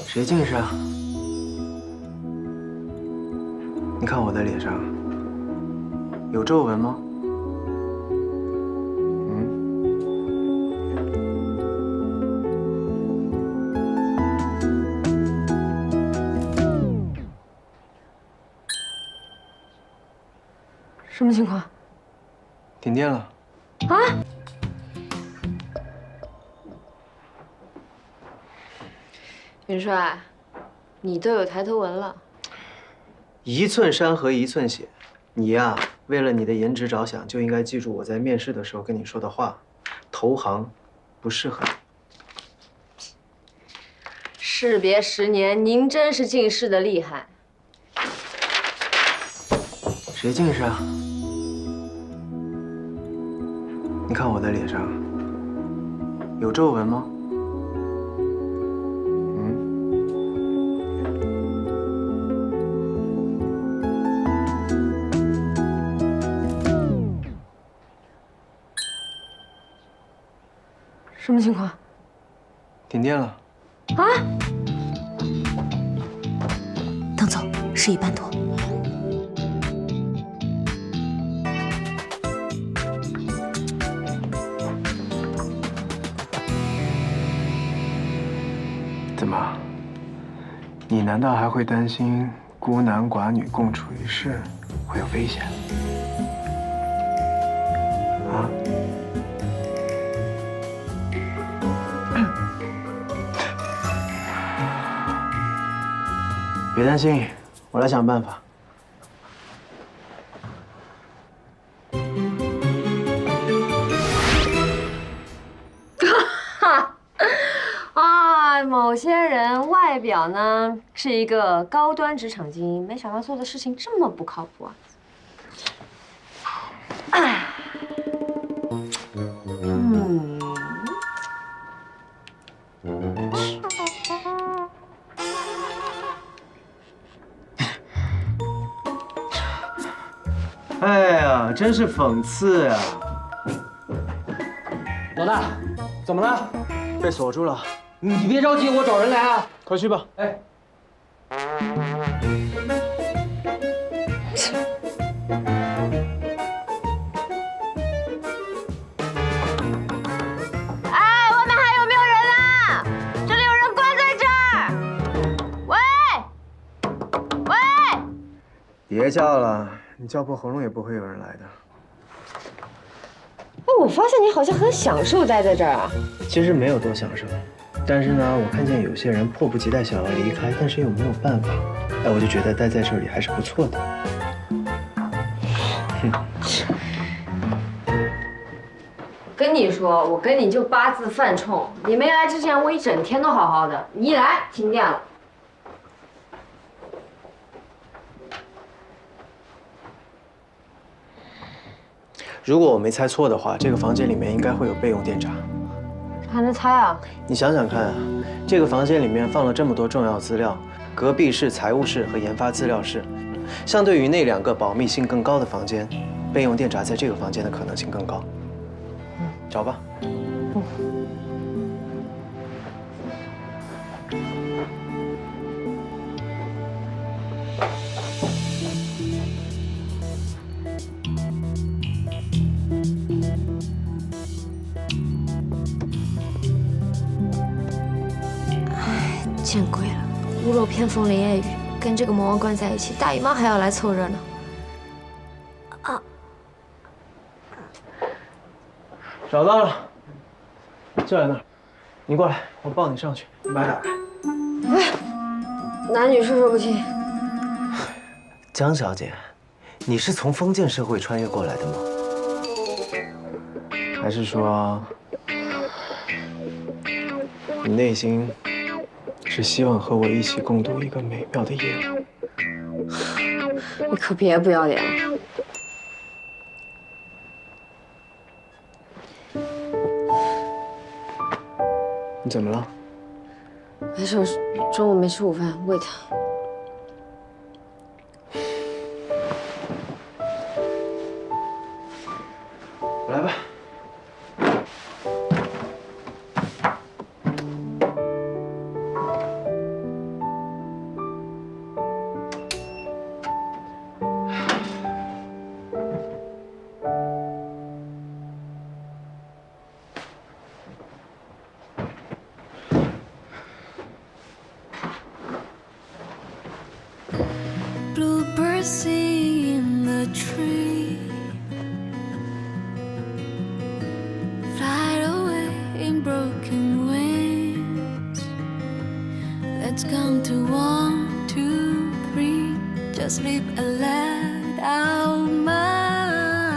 谁近视啊？你看我的脸上有皱纹吗？ 什么情况？ 停电了。 啊！元帅，你都有抬头纹了。 一寸山河一寸血，你呀，为了你的颜值着想，就应该记住我在面试的时候跟你说的话：投行不适合你。 士别10年，您真是近视的厉害。 谁近视啊？你看我的脸上有皱纹吗？ 什么情况？ 停电了。 啊！ 等走，11半多。 怎么？你难道还会担心孤男寡女共处一室会有危险？啊？别担心，我来想办法。 某些人外表呢是一个高端职场精英，没想到做的事情这么不靠谱啊！ 哎呀，真是讽刺呀！ 老大，怎么了？ 被锁住了。 你别着急，我找人来啊。 快去吧。 哎。 哎，外面还有没有人啊？这里有人关在这儿。喂，喂！ 别叫了，你叫破喉咙也不会有人来的。 哎，我发现你好像很享受待在这儿啊。 其实没有多享受。但是呢，我看见有些人迫不及待想要离开，但是又没有办法，哎，我就觉得待在这里还是不错的。 跟你说，我跟你就八字犯冲。你没来之前，我一整天都好好的，你一来停电了。 如果我没猜错的话，这个房间里面应该会有备用电闸。 还能猜啊？你想想看啊，这个房间里面放了这么多重要资料，隔壁是财务室和研发资料室，相对于那2个保密性更高的房间，备用电闸在这个房间的可能性更高。找吧。 见鬼了！屋漏偏逢连夜雨，跟这个魔王关在一起，大姨妈还要来凑热闹。啊！ 找到了，就在那儿。你过来，我抱你上去。你把它打开。 哎，男女授受不亲。 江小姐，你是从封建社会穿越过来的吗？还是说，你内心是希望和我一起共度一个美妙的夜晚？ 你可别不要脸了。 你怎么了？ 没事，中午没吃午饭，胃疼。 来吧。 sleep and let out my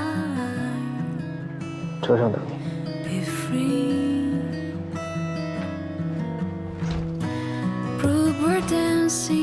车上等你。 be free. Prove we're dancing.